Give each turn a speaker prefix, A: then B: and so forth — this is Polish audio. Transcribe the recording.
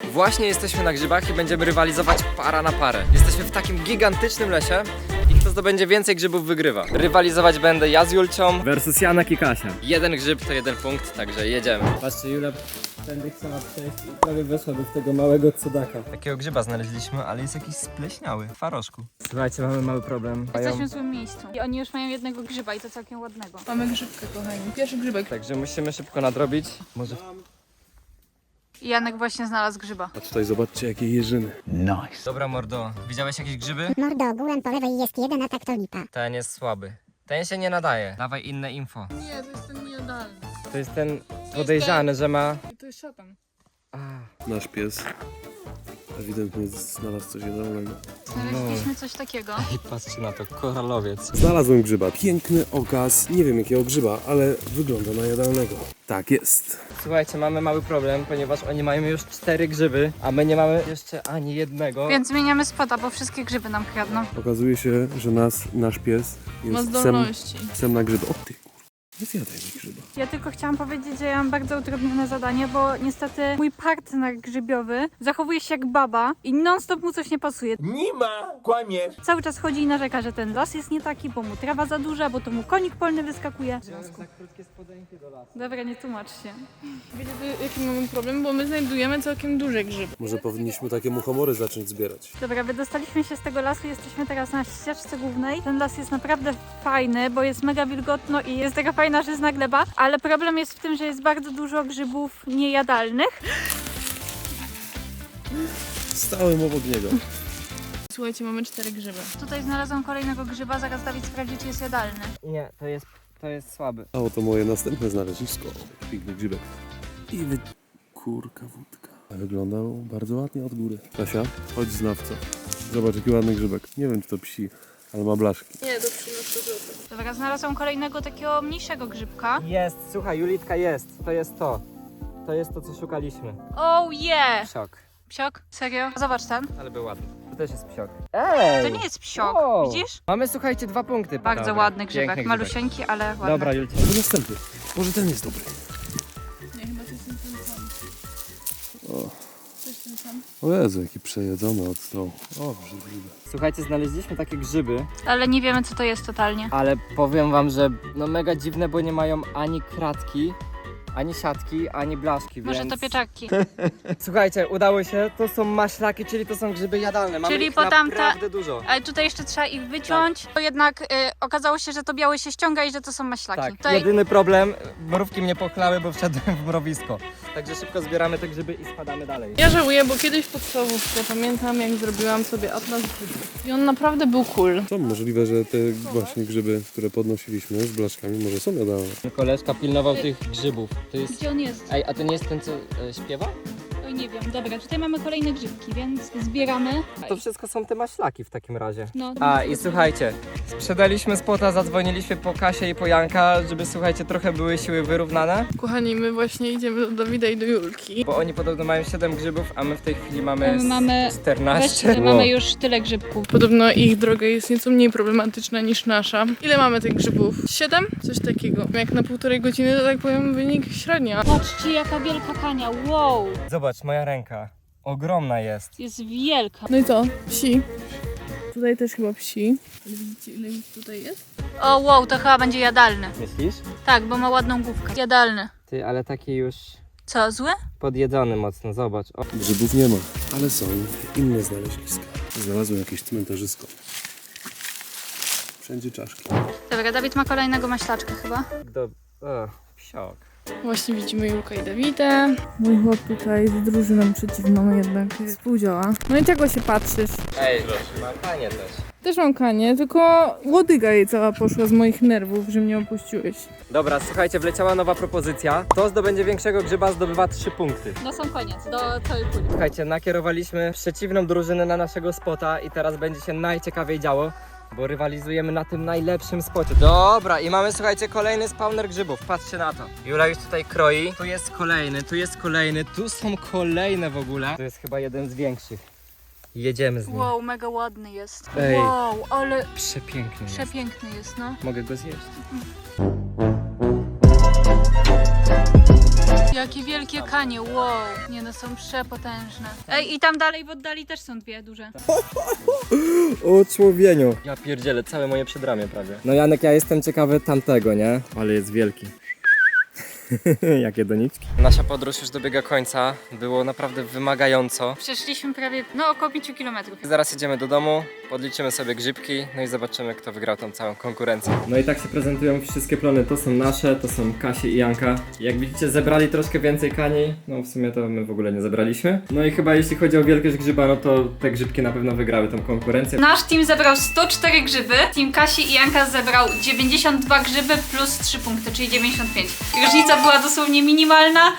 A: Właśnie jesteśmy na grzybach i będziemy rywalizować para na parę. Jesteśmy w takim gigantycznym lesie i kto zdobędzie więcej grzybów wygrywa. Rywalizować będę ja z Julcią versus Janek i Kasia. Jeden grzyb to jeden punkt, także jedziemy. Patrzcie, Julia tędy chciała przejść i prawie weszła do tego małego cudaka. Takiego grzyba znaleźliśmy, ale jest jakiś spleśniały, w faroszku. Słuchajcie, mamy mały problem.
B: Jesteśmy w złym miejscu i oni już mają jednego grzyba i to całkiem ładnego.
C: Mamy grzybkę, kochani. Pierwszy grzybek.
A: Także musimy szybko nadrobić. Może...
B: I Janek właśnie znalazł grzyba.
D: A tutaj zobaczcie jakie jeżyny.
A: Dobra mordo, widziałeś jakieś grzyby?
E: Mordo, ogółem po lewej jest jeden, a tak to lipa.
A: Ten jest słaby. Ten się nie nadaje. Dawaj inne info.
C: Nie, to jest ten niejadalny.
A: To jest ten podejrzany, że ma...
C: I to jest szatan.
D: Nasz pies ewidentnie znalazł coś jadalnego.
B: Znaleźliśmy coś takiego.
A: I patrzcie na to, koralowiec.
D: Znalazłem grzyba. Piękny okaz. Nie wiem jakiego grzyba, ale wygląda na jadalnego. Tak jest.
A: Słuchajcie, mamy mały problem, ponieważ oni mają już 4 grzyby, a my nie mamy jeszcze ani jednego.
B: Więc zmieniamy spota, bo wszystkie grzyby nam kradną.
D: Okazuje się, że nasz pies
C: Ma
D: jest
C: zdolności.
D: psem na grzyby. O ty kur... Nie zjadaj mi grzyba.
B: Ja tylko chciałam powiedzieć, że ja mam bardzo utrudnione zadanie, bo niestety mój partner grzybiowy zachowuje się jak baba i non-stop mu coś nie pasuje.
F: Nie ma, kłamie.
B: Cały czas chodzi i narzeka, że ten las jest nie taki, bo mu trawa za duża, bo to mu konik polny wyskakuje. Dobra, nie tłumacz się.
C: Wiecie, jaki mamy problem? Bo my znajdujemy całkiem duże grzyby.
D: Może powinniśmy takie muchomory zacząć zbierać.
B: Dobra, wydostaliśmy się z tego lasu, jesteśmy teraz na ścieżce głównej. Ten las jest naprawdę fajny, bo jest mega wilgotno i jest taka fajna żyzna gleba, ale problem jest w tym, że jest bardzo dużo grzybów niejadalnych.
D: Stałem obok niego.
C: Słuchajcie, mamy 4 grzyby.
B: Tutaj znalazłam kolejnego grzyba, zaraz Dawid sprawdzi, czy jest jadalny.
A: Nie, to jest słaby.
D: A oto moje następne znalezisko. Piękny grzybek. I kurka wódka. Wyglądał bardzo ładnie od góry. Kasia, chodź znawco. Zobacz jaki ładny grzybek. Nie wiem czy to psi, ale ma blaszki.
C: Nie, to 13 zł.
B: Dobra, znalazłam kolejnego takiego mniejszego grzybka.
A: Jest, słuchaj, Julitka jest. To jest to. To jest to, co szukaliśmy.
B: Oh yeah!
A: Psiok.
B: Psiok? Serio? Zobacz ten.
A: Ale był ładny. To też jest psiok. Ej!
B: To nie jest psiok,
A: Wow.
B: widzisz?
A: Mamy, słuchajcie, 2 punkty.
B: Bardzo
A: Dobra,
B: ładny grzybek,
A: piękny
B: malusieńki, ale ładny.
A: Dobra, Julcia.
D: To następny. Może ten jest dobry.
C: Nie, chyba to jest ten sam.
D: O.
C: To jest ten sam.
D: O Jezu, jaki przejedzony od stołu. O, brzydliwe.
A: Słuchajcie, znaleźliśmy takie grzyby,
B: Ale nie wiemy, co to jest totalnie.
A: ale powiem wam, że no mega dziwne, bo nie mają ani kratki, ani siatki, ani blaszki,
B: Może
A: więc...
B: to pieczaki.
A: Słuchajcie, udało się, to są maślaki, czyli to są grzyby jadalne. Mamy
B: Czyli
A: ich
B: po tamte-
A: naprawdę dużo.
B: Ale tutaj jeszcze trzeba ich wyciąć. To jednak okazało się, że to białe się ściąga i że to są maślaki.
A: Tak,
B: Tutaj...
A: jedyny problem, mrówki mnie pochlały, bo wszedłem w mrowisko. Także szybko zbieramy te grzyby i spadamy dalej.
C: Ja żałuję, bo kiedyś w podstawówce pamiętam, jak zrobiłam sobie atlas grzybów. I on naprawdę był cool.
D: To możliwe, że te właśnie grzyby, które podnosiliśmy z blaszkami, może są jadalne.
A: Koleżka pilnował tych grzybów. To jest...
B: Gdzie on jest?
A: Ej, a to nie jest ten, co śpiewa?
B: Oj, nie wiem. Dobra, tutaj mamy kolejne grzybki, więc zbieramy.
A: To wszystko są te maślaki w takim razie.
B: No,
A: A i słuchajcie, sprzedaliśmy spota, zadzwoniliśmy po Kasię i po Janka, żeby słuchajcie, trochę były siły wyrównane,
C: Kochani, my właśnie idziemy do Dawida i do Julki.
A: bo oni podobno mają 7 grzybów, a my w tej chwili mamy,
B: Mamy
A: 14.
B: mamy już tyle grzybków.
C: Podobno ich droga jest nieco mniej problematyczna niż nasza. Ile mamy tych grzybów? 7? Coś takiego. Jak na 1,5 godziny, to tak powiem wynik średnia.
B: Patrzcie, jaka wielka kania. Wow!
A: Zobacz, moja ręka. Ogromna jest.
B: Jest wielka.
C: No i co? Psi. Tutaj też chyba psi. Widzicie, ile ich tutaj jest?
B: O, wow, to chyba będzie jadalny.
A: Myślisz?
B: Tak, bo ma ładną główkę. Jadalny.
A: Ty, ale taki już
B: Co, zły?
A: podjedzony mocno, zobacz. O.
D: Grzybów nie ma, ale są inne znaleziska. Znalazłem jakieś cmentarzysko. Wszędzie czaszki.
B: Dobra, Dawid ma kolejnego maślaczka chyba.
A: Psiok.
C: Właśnie widzimy Julkę i Dawida. Mój chłop tutaj z drużyną przeciwną jednak współdziała. No i czego się patrzysz?
A: Ej, mam panie też.
C: Też mam kanie, tylko łodyga jej cała poszła z moich nerwów, że mnie opuściłeś.
A: Dobra, słuchajcie, wleciała nowa propozycja. Kto zdobędzie większego grzyba, zdobywa 3 punkty.
B: No są koniec, do całej puli.
A: Słuchajcie, nakierowaliśmy przeciwną drużynę na naszego spota i teraz będzie się najciekawiej działo, bo rywalizujemy na tym najlepszym spocie. Dobra, i mamy, słuchajcie, kolejny spawner grzybów. Patrzcie na to. Jula już tutaj kroi. Tu jest kolejny, tu są kolejne w ogóle. To jest chyba jeden z większych. Jedziemy z nim.
B: Wow, mega ładny jest.
A: Ej.
B: Wow, ale
A: Przepiękny jest.
B: przepiękny jest, no.
A: Mogę go zjeść.
B: Jakie wielkie kanie, wow. Nie no, są przepotężne. Ej, i tam dalej w oddali też są dwie duże.
A: O człowieniu. Ja pierdzielę, całe moje przedramię prawie. No Janek, ja jestem ciekawy tamtego, nie? Ale jest wielki. Jakie doniczki. Nasza podróż już dobiega końca. Było naprawdę wymagająco.
B: Przeszliśmy prawie, no około 5 kilometrów.
A: Zaraz jedziemy do domu, podliczymy sobie grzybki, no i zobaczymy, kto wygrał tą całą konkurencję. No i tak się prezentują wszystkie plony. To są nasze, to są Kasi i Janka. Jak widzicie, zebrali troszkę więcej kani. No w sumie to my w ogóle nie zebraliśmy. No i chyba jeśli chodzi o wielkość grzyba, no to te grzybki na pewno wygrały tą konkurencję.
B: Nasz team zebrał 104 grzyby, team Kasi i Janka zebrał 92 grzyby plus 3 punkty, czyli 95. Różnica była dosłownie minimalna,